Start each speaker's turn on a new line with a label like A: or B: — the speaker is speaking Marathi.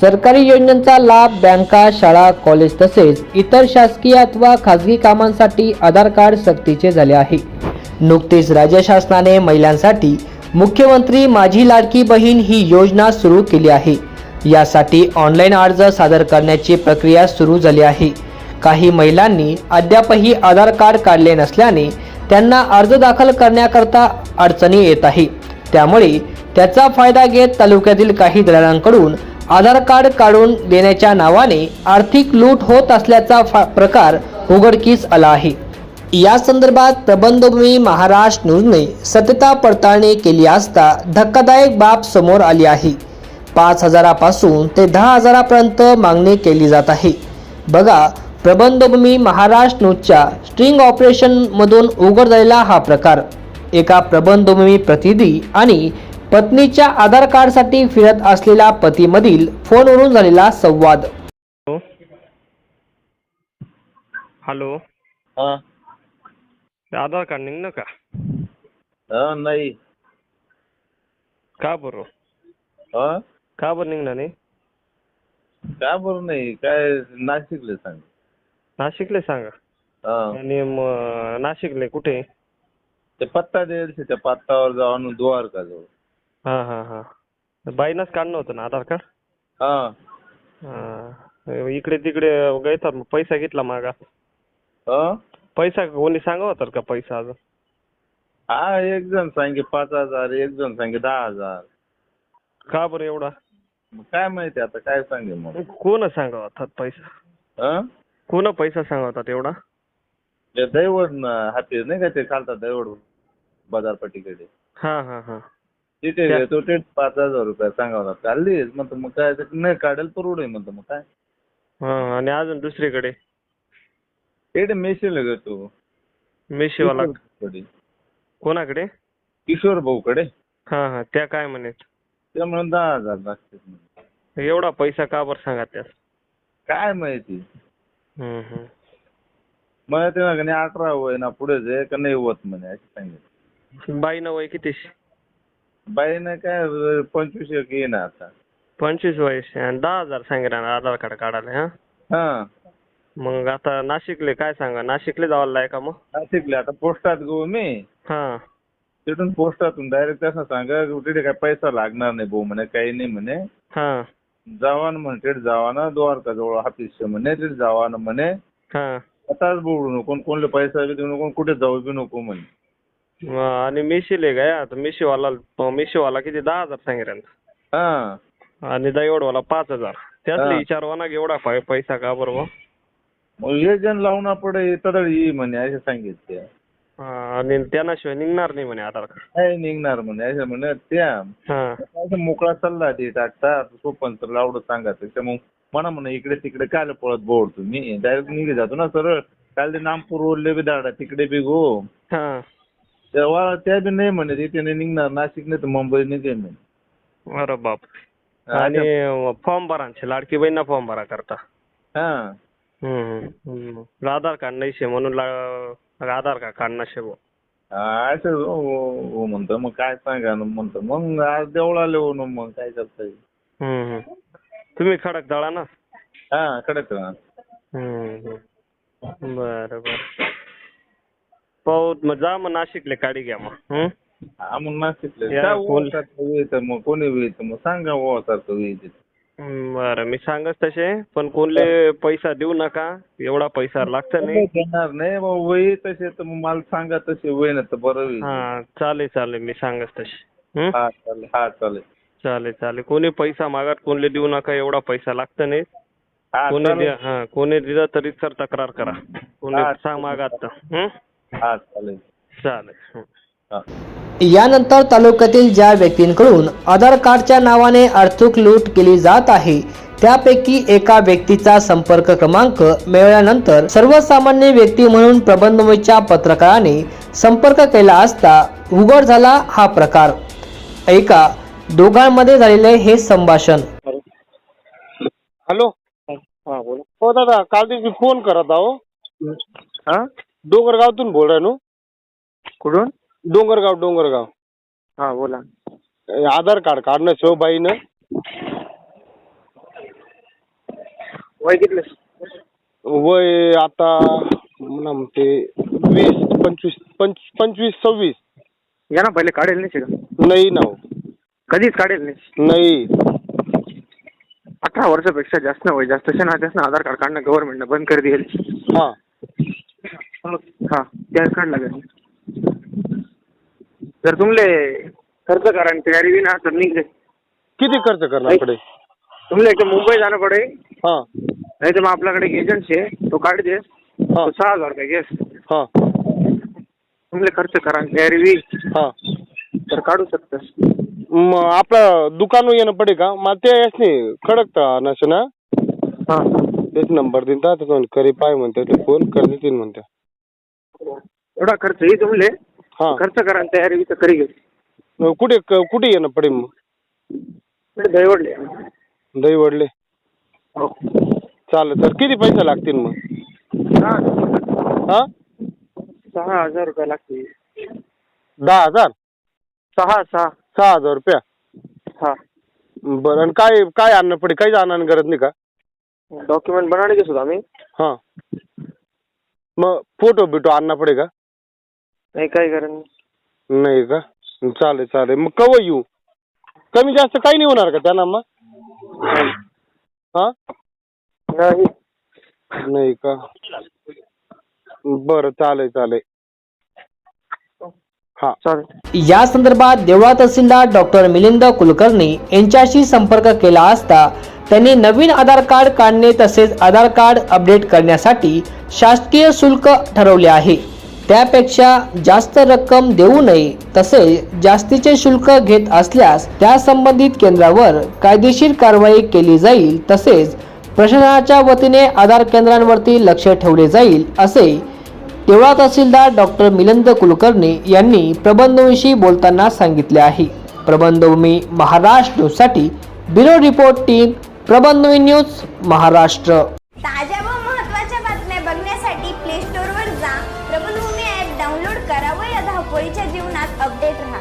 A: सरकारी योजनांचा लाभ बँका, शाळा, कॉलेज तसेच इतर शासकीय अथवा खाजगी कामांसाठी आधार कार्ड सक्तीचे झाले आहे। नुकतीच राज्य शासनाने महिलांसाठी मुख्यमंत्री माझी लाडकी बहीण ही योजना सुरू केली आहे। यासाठी ऑनलाईन अर्ज सादर करण्याची प्रक्रिया सुरू झाली आहे। काही महिलांनी अद्यापही आधार कार्ड काढले नसल्याने त्यांना अर्ज दाखल करण्याकरता अडचणी येत आहे। त्यामुळे त्याचा फायदा घेत तालुक्यातील काही दलालांकडून आधार कार्ड काढून देण्याच्या नावाने आर्थिक लूट होत असल्याचा प्रकार उघडकीस आला आहे। या संदर्भात प्रबंधभूमी महाराष्ट्र न्यूजने सत्यता पडताळणी केली असता धक्कादायक बाब समोर आली आहे। 5,000 पासून ते 10,000 पर्यंत मागणी केली जात आहे। बघा प्रबंधभूमी महाराष्ट्र न्यूजच्या स्ट्रिंग ऑपरेशन मधून उघड झालेला हा प्रकार। एका प्रबंधभूमी प्रतिनिधी आणि पत्नीच्या आधार कार्ड साठी फिरत असलेल्या पतीमधील फोनवरून झालेला संवाद।
B: हॅलो,
C: हाँ
B: आधार कार्ड निघणं का?
C: हाँ नहीं
B: का बरं?
C: हाँ
B: का बरं निघणार नाही?
C: काय बरं नाही, काय नाशिकले सांग.
B: नाशिकले सांगा.
C: हाँ
B: आणि नाशिकले कुठे?
C: ते पत्ता द्यायला त्या पत्तावर जाऊन द्वारका जाऊ.
B: हा हा हा, बाईनच काढणं होतं ना आधार कार्ड?
C: हाँ
B: हा, इकडे तिकडे गैतात मग पैसा घेतला मागा.
C: हाँ
B: पैसा कोणी सांगा होता का पैसा अजून?
C: हा, एक जण सांगे 5,000, एक जण सांगे 10,000.
B: का बरं एवढा?
C: मग काय माहिती आता काय सांगे मग.
B: कोण सांगा होतात पैसा?
C: हाँ
B: कोण पैसा सांगा होतात एवढा?
C: ते दैवड हाती नाही का, ते खालतात दैवड बाजारपट्टीकडे.
B: हा हा हा,
C: तिथे घेतो ते 5,000 रुपये सांगावतात. काढलीच म्हणतो मग काय नाही काढेल परवडे म्हणतो मग काय.
B: हा, आणि अजून दुसरीकडे
C: ते मेशीला घेतो
B: मेशीवाला
C: कडे.
B: कोणाकडे?
C: किशोर भाऊकडे.
B: हा हा, त्या काय म्हणत?
C: ते म्हणून 10,000 लागतात.
B: एवढा पैसा का बरं सांगा त्यास?
C: काय माहिती.
B: हम्म.
C: मला ते ना 18 वय ना पुढे जे का नाही होत म्हणे असं सांगितलं.
B: बाईनं वय किती?
C: बाईनं काय 25 ये ना आता.
B: 25 वयस आणि 10,000 सांगितलं ना आधार कार्ड काढायला. हा,
C: हा
B: मग आता नाशिकले काय सांगा? नाशिकले जावं का मग?
C: नाशिकले आता पोस्टात गो मी.
B: हा,
C: तिथून पोस्टातून डायरेक्ट असं सांगा तिथे काय पैसा लागणार नाही भाऊ म्हणे, काही नाही म्हणे.
B: हा
C: जावा ना म्हणे, तिथे जावा ना द्वारका जवळ ऑफिस म्हणे, तिथे जावा ना म्हणे.
B: हा,
C: आताच बोलू नको, कोणले पैसा बी देऊ नको, कुठे जाऊ बी नको म्हणे.
B: आणि मिशीले काय आता मिशीवाला किती 10,000 सांगितलं
C: हा,
B: आणि दहीवडवाला 5,000. त्यातले विचारवा ना एवढा पैसा का बरोबर?
C: मग हे जण लावून पडे तर ये म्हणे असं सांगितले.
B: आणि त्याशिवाय निघणार नाही म्हणे आधार कार्ड.
C: काय निघणार म्हणे असं म्हणे. त्या
B: हा,
C: मोकळा सल्ला दे टाकता सोपन तर लावडं सांगायचं. त्या मग म्हणा म्हणा इकडे तिकडे काय पळत बोल तुम्ही, डायरेक्ट निघे जातो ना सरळ. काल ते नामपूर रोडले बी दाडा तिकडे बी गो.
B: हा,
C: तेव्हा त्या बी नाही म्हणे तिथे नाही निघणार, नाशिक नाही तर मुंबई निघेल म्हणे.
B: अरे बाप. आणि फॉर्म भरांचे लाडकी बहीण फॉर्म भरा करता.
C: हा
B: आधार कार्ड नाही शे म्हणून आधार कार्ड काढणार शे भाऊ.
C: असं हो म्हणतो. मग काय सांगा म्हणतो. मग आज देवळाले हो ना, मग काय करता.
B: तुम्ही खडक दळा ना?
C: हा कडक.
B: बर पाहू मग, जा मग नाशिकले काढी घ्या मग.
C: हा मग नाशिकले मग कोणी वेळेत मग सांगा हो सारखं वेळेत.
B: बरं मी सांगच तसे, पण कोणले पैसा देऊ नका, एवढा पैसा लागत नाही.
C: देणार नाही वय तसे तर मग मला सांगा तसे वय ना तर बरं होईल.
B: हा चालेल मी सांगच तसे.
C: हा चालेल. हा
B: चालेल. कोणी पैसा मागत कोणले देऊ नका, एवढा पैसा लागत नाही. कोणी दिला तरी सर तक्रार करा. कोणी सांग मागत तर.
C: हा चालेल.
A: यानंतर तालुक्यातील ज्या व्यक्तींकडून आधार कार्डच्या नावाने आर्थिक लूट केली जात आहे त्यापैकी एका व्यक्तीचा संपर्क क्रमांक मिळाल्यानंतर सर्वसामान्य व्यक्ती म्हणून प्रबंधभूमीच्या पत्रकाराने संपर्क केला असता उघड झाला हा प्रकार। ऐका दोघांमध्ये झालेले हे संभाषण।
D: हॅलो, हा बोला. हो दादा, काल दिवशी फोन करत आहो. हा, डोंगरगावतून बोल राहिलो.
B: कुठून?
D: डोंगरगाव.
B: हा बोला.
D: आधार कार्ड काढणं शिवबाईनं.
E: वय कितले?
D: वय आता म्हणते 25-26.
E: या ना पहिले काढेल नाही का?
D: नाही ना हो.
E: कधीच काढेल नाही.
D: नाही
E: 18 वर्षापेक्षा जास्त वय जास्त त्याचं आधार कार्ड काढणं गव्हर्नमेंटनं बंद कर दिली.
D: हा
E: हा त्या काढ लागेल. जर तुमले खर्च करा आणि तयारी बी ना तर निघले.
D: किती खर्च करणार कडे?
E: तुमले एक मुंबई जाणं पडेल.
D: हा
E: नाही तर मग आपल्याकडे एक एजंट आहे तो काढ दे.
D: हा
E: 6,000 रुपये घेस.
D: हा
E: तुमले खर्च करा आणि तयारी बी
D: हा
E: तर काढू शकतस.
D: मग आपलं दुकान येणं पडे का? मग ते नाही खडकता नसे ना.
E: हा
D: तेच नंबर देता करी पाय म्हणते ते फोन कर देतील म्हणते.
E: एवढा खर्च येईल तुमले.
D: हा
E: खर्च करा आणि तयारी बी तर करी घे.
D: कुठे येणं पडे मग?
E: दहीवडले.
D: दही वडले.
E: हो
D: चालेल सर. किती पैसे लागतील मग?
E: 6,000 रुपये लागतील.
D: 10,000?
E: 6,000
D: रुपया.
E: हा
D: बरं. आणि काय काय आणणं पडे? काहीच आणणं गरज नाही का?
E: डॉक्युमेंट बनाने घेसो आम्ही.
D: हा मग फोटो बिटो आणणं पडे का?
E: नाही काही कारण
D: नाही का? चालेल. मग कवा येऊ? कमी जास्त काही नाही होणार का त्यांना मग? हा
E: नाही.
D: नाही का? बरं चालेल. हा
E: चालेल.
A: या संदर्भात देवळा तहसीलदार डॉक्टर मिलिंद कुलकर्णी यांच्याशी संपर्क केला असता त्यांनी नवीन आधार कार्ड काढणे तसेच आधार कार्ड अपडेट करण्यासाठी शासकीय शुल्क ठरवले आहे. त्यापेक्षा जास्त रक्कम देऊ नये तसेच जास्तीचे शुल्क घेत असल्यास त्या संबंधित केंद्रावर कायदेशीर कारवाई केली जाईल तसेच प्रशासनाच्या वतीने आधार केंद्रांवरती लक्ष ठेवले जाईल असे देवळा तहसीलदार डॉक्टर मिलिंद कुलकर्णी यांनी प्रबंधभूमीशी बोलताना सांगितले आहे. प्रबंधभूमी महाराष्ट्र न्यूजसाठी bureau report team Prabandhbhumi news Maharashtra.
F: ताज्या व महत्त्वाच्या बातम्या बघण्यासाठी प्ले स्टोअरवर जा, प्रबंधभूमी ॲप डाउनलोड करा व या धावपळीच्या जीवनात अपडेट राहा.